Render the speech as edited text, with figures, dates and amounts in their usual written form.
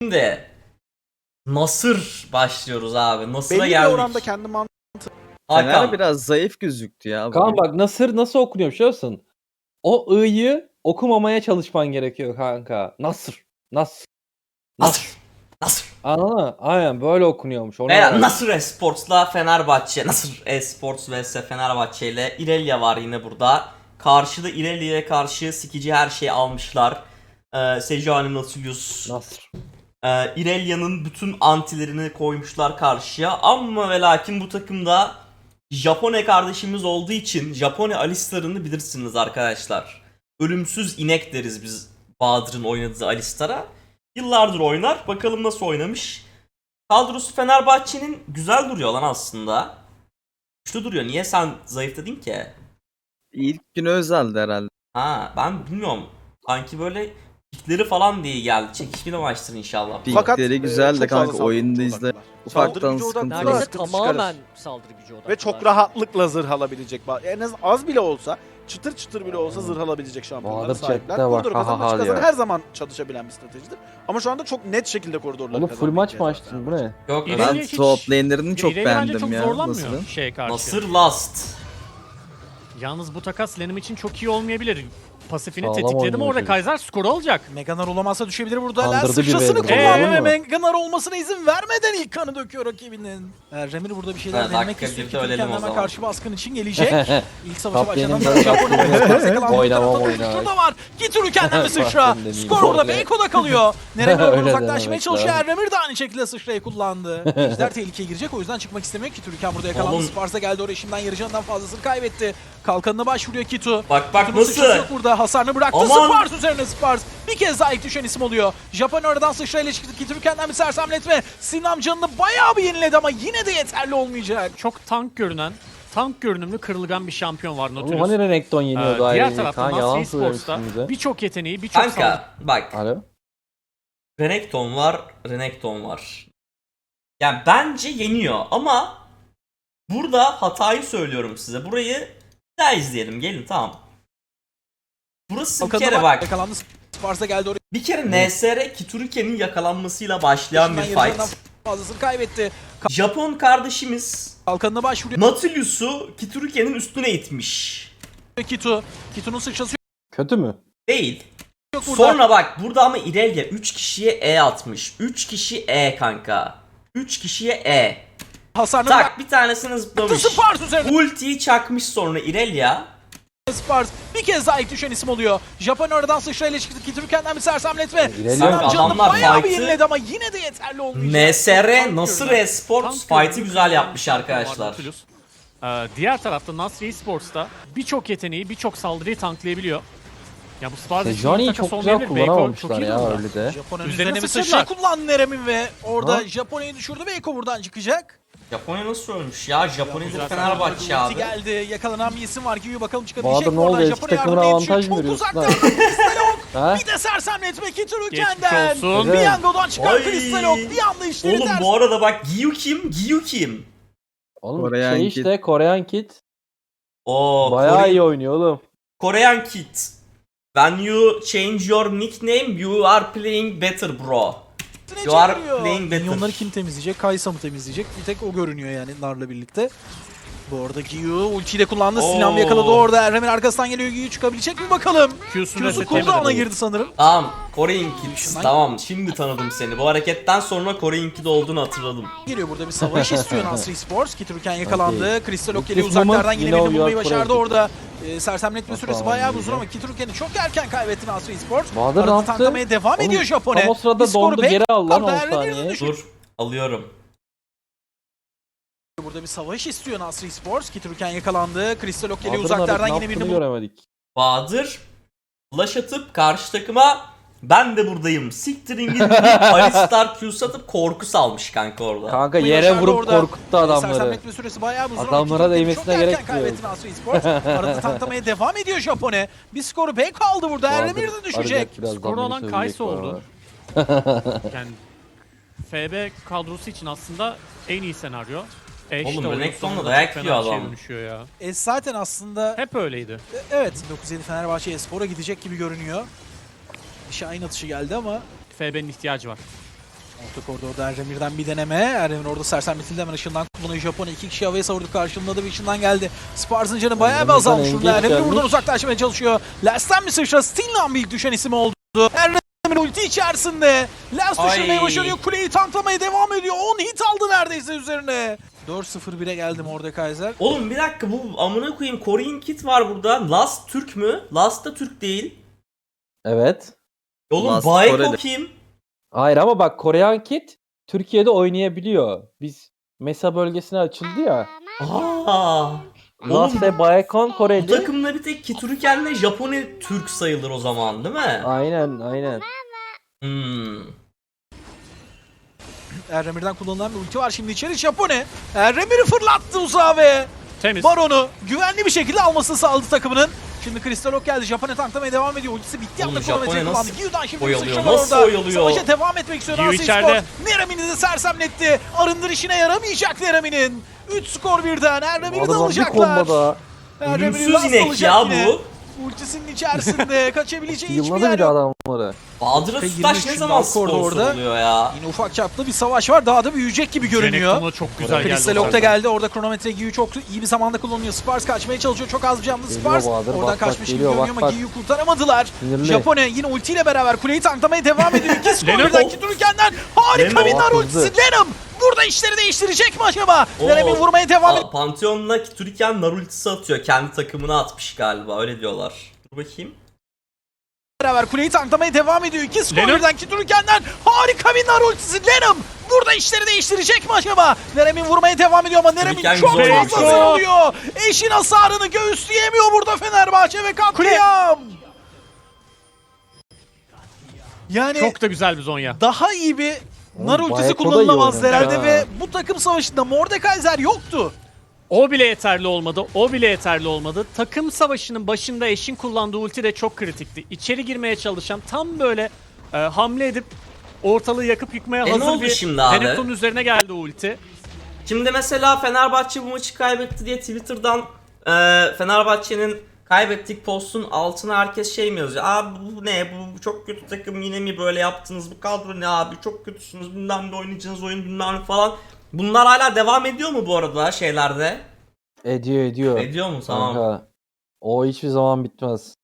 Şimdi Nasır başlıyoruz abi. Nasır'a Belli bir geldik. oranda kendi Hakan. Fener biraz zayıf gözüktü ya. Kaan bak Nasır nasıl okunuyor biliyor musun? O ı'yı okumamaya çalışman gerekiyor kanka. Nasır. Nasır. Nasır. Anladın mı? Aynen böyle okunuyormuş. Onu Veya öğren. Nasır Esports'la Fenerbahçe. Nasır Esports vs Fenerbahçe ile İrelia var yine burada. Karşıda İrelia'ya karşı sikici her şeyi almışlar. Sejuani Nautilus. Nasır. İrelia'nın bütün antilerini koymuşlar karşıya. Ama ve lakin bu takımda Japone kardeşimiz olduğu için Japone Alistar'ını bilirsiniz arkadaşlar. Ölümsüz inek deriz biz Bahadır'ın oynadığı Alistar'a. Yıllardır oynar. Bakalım nasıl oynamış. Kadrosu Fenerbahçe'nin güzel duruyor lan aslında. Güçlü duruyor. Niye sen zayıf dedin ki? İlk günü özeldi herhalde. Ha ben bilmiyorum. Sanki böyle pikleri falan diye geldi. Çekişmeli maçtır inşallah. Fakat, Pikleri güzel de çok kanka fazla oyunda saldırı izle. gücü Ufaktan Saldırı gücü sıkıntı odaklı var. Neredeyse sıkıntı tamamen çıkarır. saldırı gücü odaklı. Ve çok rahatlıkla zırh alabilecek. En az bile olsa, çıtır çıtır bile olsa zırh alabilecek şampiyonlara Bahadır sahipler. chatte bak, Koridoru ha ha kazanmak ha için diyor. her zaman çalışabilen bir stratejidir. Ama şu anda çok net şekilde koridorları Oğlum kazanmaya full maç mı çalışıyor açtın? Bu ne? Yok İrelia Ben hiç- top lane'lerini çok İrelia bence beğendim çok ya. zorlanmıyor Nasıl'ın? şeye karşı. Nasır Last. Yalnız bu takas Lenim için çok iyi olmayabilir. Pasifini Sağlam tetikledim oynuyor orada çocuk. Kaiser skoru alacak. Meganar olamazsa düşebilir burada. Kandırdı Lens bir sıçrasını Vader'ı. kullandı ve Anladın mı? Meganar olmasına izin vermeden ilk kanı döküyor rakibinin. Remir burada bir şeyler Ha, denemek dakika istiyor. birde ölelim Kendi o hemen zaman. karşı baskın için gelecek. İlk savaşa Kaptanın başladan da Japonya kaptanı. Oynamam oynar. Şurada var. Gituru kendine bir sıçra. Kaptan demeyeyim. Skor burada Öyle. Beyko'da kalıyor. Nereye Öyle uzaklaşmaya demek çalışıyor. lazım. Remir de aynı şekilde sıçrayı kullandı. Ejder tehlikeye girecek o yüzden çıkmak istemiyor. Kitürüken burada yakalandı. Oğlum. Spars'a geldi oraya şimdiden yarı canından fazlasını kaybetti. Kalkanına başvuruyor Kitu. Bak Kitu'nun sıçrası nasıl? yok burada. Hasarını bıraktı. Aman. Spars üzerine Spars. Bir kez daha ilk düşen isim oluyor. Japon oradan sıçrayla çıktı. Kitürüken'den bir sersemletme. Sinam canını bayağı bir yeniledi ama yine de yeterli olmayacak. Çok tank görünümlü kırılgan bir şampiyon var Oğlum Nautilus. hani Renekton yeniyordu Diğer ayrıca. tarafta Kaan yalan Nasri Sports'ta söylemişsin bize. birçok yeteneği, birçok saldırı. Kanka bak. Alo? Renekton var. Yani bence yeniyor ama burada hatayı söylüyorum size. Burayı bir daha izleyelim. Gelin tamam. Burası bir Kalkanına kere bak. Yakalandı. Spars'a geldi oraya. Bir kere NSR Kituruken'in yakalanmasıyla başlayan bir Şimdiden yarı canından fight. fazlasını kaybetti. Japon kardeşimiz Kalkanına başvuruyor Nautilus'u Kituruken'in üstüne itmiş. Kitu. Kitu'nun sıçrası Kötü mü? Değil. yok burada. Sonra bak burada ama Irelia 3 kişiye E atmış. 3 kişi E kanka. 3 kişiye E. Hasarını Tak bir tanesini zıplamış. bıraktı. Spars üzerine. Ultiyi çakmış sonra Irelia. Spars bir kez daha ilk düşen isim oluyor. Japon oradan sıçrayla çıktı. Kitürken'den bir sersemletme. İlerliyor. Sinam Kanka, canını adamlar bayağı bir fight'ı- yeniledi ama yine de yeterli olmayacak. NSR Nasır Esports Tank fight'ı görünümlü güzel kırılgan yapmış bir şampiyon var arkadaşlar. Nautilus. Diğer tarafta Nasri Esports'ta birçok yeteneği, birçok saldırıyı tanklayabiliyor. Ya bu Spars için Sejani'yi takas çok güzel olmayabilir. Beyko kullanamamışlar çok iyi ya durumda. öyle de. Japon'un Üzerine üzerine bir sıçradılar. sıçra kullandı Nerem'in ve orada Ha? Japonya'yı düşürdü. Beyko buradan çıkacak. Japonya nasıl ölmüş ya? Japonya'da Güzel. Fenerbahçe Ulti abi. geldi. Yakalanan bir isim var ki bakalım çıkabilecek Bahadır mi ne oradan? oldu? Eski Japonya takımına yardıma yetişiyor. avantaj mı Çok veriyorsun uzakta. lan? Kristalok. Ha? Bir de sersemletme Kiturüken'den. Geçmiş olsun. Bir Evet. yangodan çıkan Ay. Kristalok. Bir anda işleri Oğlum ters. bu arada bak Giyu kim? Oğlum Korean şey Kid. işte Korean Kid. Oo, Bayağı iyi oynuyor oğlum. Korean Kid. When you change your nickname, you are playing better bro. Ne You are çeviriyor? playing better. Minyonları kim temizleyecek? Kaysa mı temizleyecek? Bir tek o görünüyor yani Nar'la birlikte. Bu arada Giyu ultiyi de kullandı. Sinan Oo. yakaladı orada. Erremin arkasından geliyor. Giyu çıkabilecek mi bakalım? Q'sunu Q'su resetlemedi. cooldown'a girdi sanırım. Tamam, Korean Kid. Şundan- Tamam, şimdi tanıdım seni. Bu hareketten sonra Korean Kid olduğunu hatırladım. Geliyor burada bir savaş istiyor Nasri Sports. Kiturken yakalandı. Kristalok geliyor This moment, uzaklardan yine you know birini you bulmayı are başardı Korean orada. Sersemletme süresi Tamam, bayağı iyi. uzun ama Kituruken'i çok erken kaybetti Nasri Sports. Bahadır ne Arada yaptı? tanklamaya devam Oğlum, ediyor Japone. tam o sırada Bir skoru dondu, bek- geri al lan orada 10 Erremir'in saniye. düşün- Dur, alıyorum. Burada bir savaş istiyor Nasri Sports. Kituruken yakalandı. Kristalok geliyor Bahadır'ın uzaklardan ne yine yaptığını birini göremedik. Bahadır flash atıp karşı takıma ben de buradayım. Siktirin gidin deyip Alistar Q'su atıp korku salmış kanka orada. Kanka Bulmayı yere başardı vurup orada. korkuttu adamları. Sersemletme süresi bayağı uzun. Adamlara Kituruken'i değmesine çok gerek erken kaybetti yok. Nasri Sports. Arada tanklamaya devam ediyor Japone. Bir skoru bek kaldı burada. Erremir de Bahadır düşecek. arayacak birazdan, Skoru beni olan sövecek Kaysa bu oldu. arada. Yani FB kadrosu için aslında en iyi senaryo. Oğlum, Renekton'la sonunda dayak çok yiyor fena bir şeye adam. dönüşüyor ya. Zaten aslında Hep öyleydi. evet 907 Fenerbahçe Espor'a gidecek gibi görünüyor. Şahin atışı geldi ama FB'nin ihtiyacı var. Orta koridorda Erdemir'den bir deneme. Erdemir orada sersemletildi, hemen ışından kullanıyor Japonya. 2 kişi havaya savurdu, karşılığında bir ışından geldi. Spars'ın canı bayağı bir Erdemir'den azalmış engage burada. Erdemir buradan gelmiş. uzaklaşmaya çalışıyor. Last'ten bir sıçra, Stinlan ilk düşen isim oldu. Erdemir ulti içerisinde. Last Ay. düşürmeyi başarıyor. Kuleyi tanklamaya devam ediyor. 10 hit aldı neredeyse üzerine. 4-0-1'e geldi Mordekaiser. Oğlum bir dakika, bu amına koyayım Korean Kid var burada. Last Türk mü? Last da Türk değil. Evet. Oğlum Last Baeko Koreli. kim? Hayır ama bak Korean Kid Türkiye'de oynayabiliyor. Biz Mesa bölgesine açıldı ya. Aa. Last Oğlum ve Baekon bu Koreli. takımda bir tek Kituruken'le Japone Türk sayılır o zaman değil mi? Aynen. Hmm. Erdemir'den kullanılan bir ulti var şimdi içeri. Japone Erdemir'i fırlattı uzağa ve Temiz. Baron'u güvenli bir şekilde almasını sağladı takımının. Şimdi Crystal Ok geldi. Japone tanklamaya devam ediyor. Ultisi bitti. Oğlum Anda Japone kronometreyi kullandı. nasıl Gyu'dan şimdi bir oyalıyor, sıçrama nasıl orada. oyalıyor? Savaşa devam etmek istiyor. Gyu Nancy içeride. Sport. Neramin'i de sersemletti. Arındır işine yaramayacak Neramin'in. 3 skor birden. Erdemir'i de Adamlar bir alacaklar. komboda. Erdemir'i Ölümsüz last inek alacak ya yine. bu. Ultisinin içerisinde kaçabileceği hiçbir Yılladı yer bir de yok. adamları. Bahadır Ve Tutaş 23 ne zaman Dalkor'da sponsor orada. oluyor ya? Yine ufak çaplı bir savaş var. Daha da büyüyecek gibi görünüyor. Renekton'a çok güzel geldi. Crystal o Ok da arada. geldi. Orada kronometre Giyu çok iyi bir zamanda kullanıyor. Spars kaçmaya çalışıyor. Çok az bir canlı Geliyor Spars. Bahadır, Oradan bak, kaçmış gibi geliyor, görünüyor bak, ama bak. Giyu'yu kurtaramadılar. Sinirli. Japone yine ultiyle beraber kuleyi tanklamaya devam ediyor. İki skor Lennon. birden Kiturken'den harika Lennon bir nar hızlı. ultisi. Lennon burada işleri değiştirecek mi acaba? Oo. Lennon vurmaya devam ediyor. Pantheon'la Kituriken nar ultisi atıyor. Kendi takımına atmış galiba, öyle diyorlar. Dur bakayım. Beraber kuleyi tanklamaya devam ediyor. İki skor Lennon. birden Kiturken'den harika bir nar ultisi. Lennon burada işleri değiştirecek mi acaba? Nerem'in vurmaya devam ediyor ama Nerem'in Kiturken çok güzel fazla oynamış. sarılıyor. Eşin hasarını göğüsleyemiyor burada Fenerbahçe ve katliam. Yani Çok da güzel bir Zonya. daha iyi bir nar Oğlum, ultisi Baeko da iyi kullanılamaz oynamış herhalde ha. ve bu takım savaşında Mordekaiser yoktu. O bile yeterli olmadı. Takım savaşının başında Eş'in kullandığı ulti de çok kritikti. İçeri girmeye çalışan, tam böyle hamle edip ortalığı yakıp yıkmaya ne hazır oldu bir şimdi abi? Renekton'un üzerine geldi o ulti. Şimdi mesela Fenerbahçe bu maçı kaybetti diye Twitter'dan Fenerbahçe'nin kaybettik postun altına herkes şey mi yazıyor? Abi bu ne? Bu çok kötü takım, yine mi böyle yaptınız? Bu kadro ne abi? Çok kötüsünüz. Bilmem ne oynayacağınız oyun bilmem ne falan. Bunlar hala devam ediyor mu bu arada şeylerde? Ediyor. Ediyor mu? Tamam. Kanka. O hiçbir zaman bitmez.